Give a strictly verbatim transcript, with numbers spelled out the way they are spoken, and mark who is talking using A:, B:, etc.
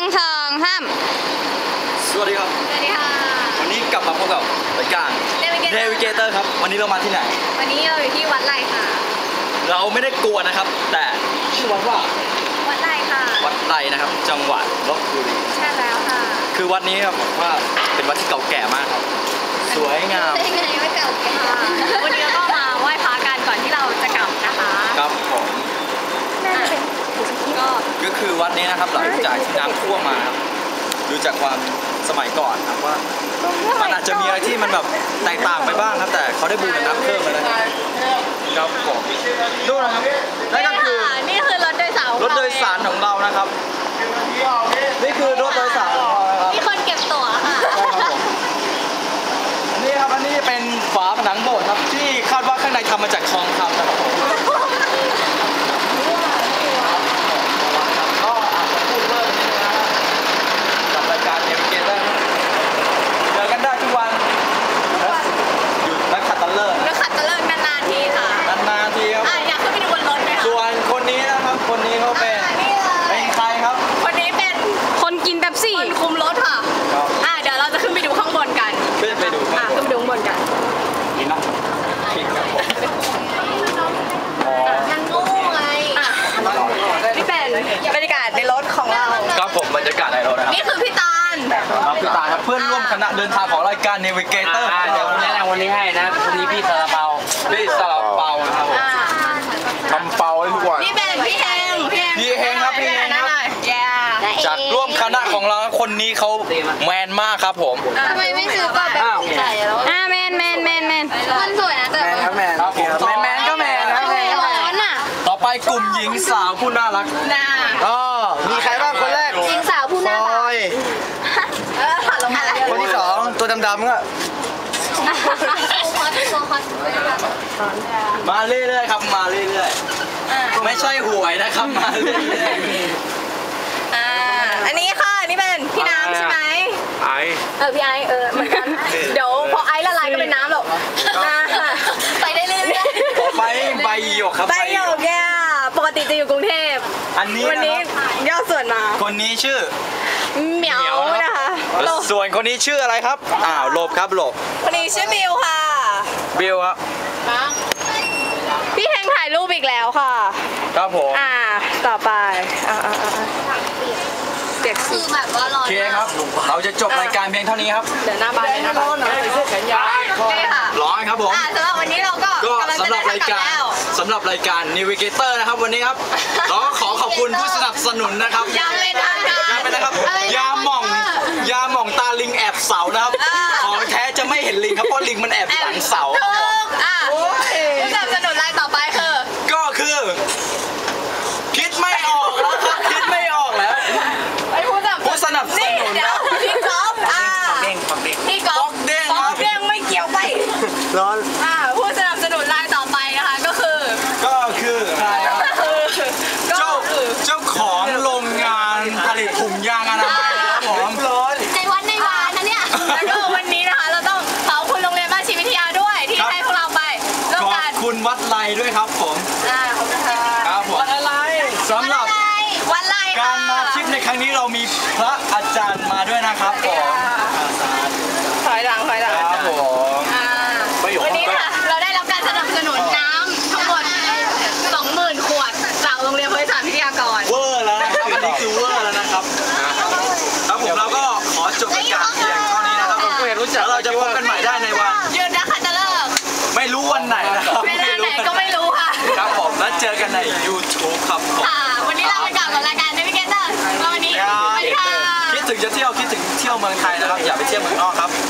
A: สองห้าม
B: สวัสดีครับ
A: สวัสดีค่ะ
B: วันนี้กลับมาพบกับรายการเนวิเกเตอร์ครับวันนี้เรามาที่ไหน
A: วันนี้เราอยู่ที่วัดไร่ค่ะ
B: เราไม่ได้กลัวนะครับแต่ชื่อวัดว่า
A: วัดไร่ค่ะ
B: วัดไร่นะครับจังหวัดลบบุรี
A: ใช่แล้วค่ะ
B: คือวัดนี้ครับผมว่าเป็นวัดที่เก่าแก่มากครับสวยงาม
A: ไม่ไม่เก่าแก่วันนี้เราก็มาไหว้พระกันก่อนที่เราจะกลับนะคะ
B: ครับผมก็ก็คือวัดนี้นะครับหลังจากที่น้ำท่วมมาครับดูจากความสมัยก่อนครับว่ามันอาจจะมีอะไรที่มันแบบแตกต่างไปบ้างครับแต่เขาได้บูรณะเพิ่มแล้วนะครับผมดูนะครับนั่นก็คือ
A: นี่คือรถโดยสาร
B: รถโดยสารของเรานะครับนี่คือรถโดยสารของเราครับ
A: มีคนเก็บตั๋วค่ะ
B: นี่ครับอันนี้เป็นฝาผนังโบสถ์ครับที่คาดว่าข้างในทำมาจากทองคำนะครับก็อาจจะพูดเพิ่มนิดนึงนะครับกับรายการเนวิเกเตอร์เจอกันได้ทุกวันอยู่นักขัตฤกษ์
A: นักขัตฤกษ์นานๆทีค่ะ
B: นานๆทีครับ
A: อยากขึ้นไปดูบนรถไหมคะ
B: ส่วนคนนี้นะครับคนนี้เขาเป็นเป็นใครครับ
A: คนนี้เป็นคนกินเป๊ปซี่คนคุมรถค่ะอ่าเดี๋ยวเราจะขึ้นไปดูข้างบนกัน
B: ขึ้นไปดู
A: อ่าขึ้นไปดูข้างบนกัน
B: นี่นะคิดครับผม
A: ยังงูไงนี่เป็นบรรยากาศในรถของเรา
B: ครับผมบรรยากาศในรถนะครับ
A: นี่คือพี่ตาล
B: ครับพี่ตาลครับเพื่อนร่วมคณะเดินทางของรายการเนวิเกเตอร์
C: เดี๋ยวแนะนำวันนี้ให้นะวันนี้พี่ซาลาเปา
B: พี่ซาลาเปานะครับผมทำเปาให้ทุกวัน
A: นี่เป็นพี่เฮง
B: พี่เฮงครับพี่เฮงครับจากร่วมคณะของเราคนนี้เขาแมนมากครับผม
A: ทำไมไม่ซื้อก่อนแบบใส่แล้วอ่าแมนแมนแมนแมนมันสวยนะแต่
B: แมนครับแมนครับผมแมนก็แมนนะ
A: ร้อนอ่ะ
B: ต่อไปกลุ่มหญิงสาวผู้น่ารัก
A: น่า
B: อ๋อมีใครบ้างคนแรก
A: หญิงสาวผู้น่ารักเออผ่านลงมา
B: คนที่สองตัวดำๆก็มาเรื่อยๆครับมาเรื่อยๆไม่ใช่หวยนะครับมาเรื่อย
A: ๆอ่าอันนี้ค่ะนี่เป็นพี่น้ำใช่ไหม
B: ไอ
A: เออพี่ไอเออเหมือนกันเดี๋ยวพอไอละลายก็เป็นน้ำหรอกไปได้เรื่อย
B: ๆไปใบหยกครับ
A: ใบหยกแกปกติจะอยู่กรุงเทพ
B: อันนี้
A: วันนี้ย่อส่วนมา
B: คนนี้ชื่อ
A: เหมียวนะคะ
B: ส่วนคนนี้ชื่ออะไรครับอ้าวหลบครับหลบ
A: คนนี้ชื่อบิวค่ะ
B: บิวครับ
A: พี่แฮงถ่ายรูปอีกแล้วค่ะ
B: ครับผม
A: อ่าต่อไปอ่าอ่าเด็กคือแบบว่าร้อน
B: โอเคครับเราจะจบรายการเพียงเท่านี้ครับ
A: เดี๋ยวหน้าบ้านเลยนะร้อนหน่อยใส่เสื้อแขนยาว
B: ร้อนครับผม
A: สำหรับวันนี้เราก็
B: ก็สำหรับรายการสำหรับรายการ Navigator นะครับวันนี้ครับเราก็ขอขอบคุณผู้สนับสนุนนะครับ
A: ยาเป็นทางการ
B: ยาเป็นนะครับยาหม่องยาหม่องตาลิงแอบเสานะครับของแท้จะไม่เห็นลิงครับเพราะลิงมันแอบหลังเสา
A: ผู้สนับสนุนรายต่อไปคือ
B: ก็คือคิดไม่ออกแล้วครับคิดไม่ออกแล้วผู้สนับสนุนนะ
A: พี่ก๊อฟอ่าพี่ก๊อฟ
B: เด้ง
A: ก๊อฟเด้งไม่เกี่ยวไป
B: ร้อน
A: อ่าผู้สนับสนุนรายต่อไปนะคะก็คือ
B: ก็คือใครครับเจ้าเจ้าของโรงงานผลิตถุงยางอนามัยนะครับผมร้อน
A: ในวันในวานนะเนี่ยแล้วก็วันนี้นะคะเราต้องขอบคุณโรงเรียนบ้านชีวิทยาด้วยที่ให้พวกเราไปร่วมกัน
B: ขอบคุณวัดไร่ด้วยครับผม
A: อ่าขอบคุณค่ะ
B: ครับผมวัดไร่สำหรับ
A: วัดไร่
B: การมาทริปในครั้งนี้เรามีพระอาจารย์มาด้วยนะครับผม
A: ถอยหลังถอยหลัง
B: ครับผม
A: วันนี้ค่ะเราได้รับการสนับสนุนน้ำทั้งหมด สองหมื่น ขวดจากโรงเรียนบริษัทวิทยากร
B: เวอร์แล้วนะครับอันนี้คือเวอร์แล้วนะครับครับผมเราก็ขอจบรายการเพียงเท่านี้นะครับผมเห็นรู้จักเราจะพบกันใหม่ได้ในวัน
A: ยืนนะคะจะเลิก
B: ไม่รู้วันไหนนะครับ
A: ไม่รู้ไหนก็ไม่รู้ค่ะ
B: ครับผมแล้วเจอกันใน ยูทูบ ครับ
A: ค่ะวันนี้เราไปกลับกับรายการ Navigator วันนี้สวัสดีค่ะ
B: คิดถึงจะเที่ยวคิดถึงเที่ยวเมืองไทยนะครับอย่าไปเที่ยวเมืองนอกครับ